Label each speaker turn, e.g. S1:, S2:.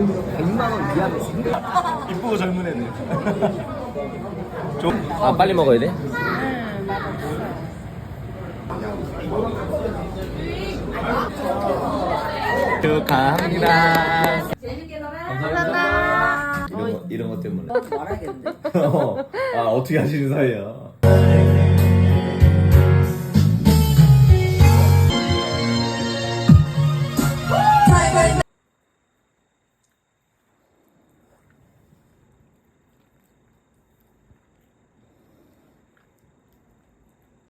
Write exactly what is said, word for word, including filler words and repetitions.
S1: 백만 원 이하면 생각.
S2: 이쁘고 젊은 애들. 좀.
S1: 아 빨리 먹어야 돼?
S3: 응, 맛없어.
S1: 축하합니다.
S4: 재밌게 놀아.
S1: 감사합니다. 이런 거, 이런 것 때문에.
S4: 말하겠는데.
S1: 아 어떻게 하시는 사이야?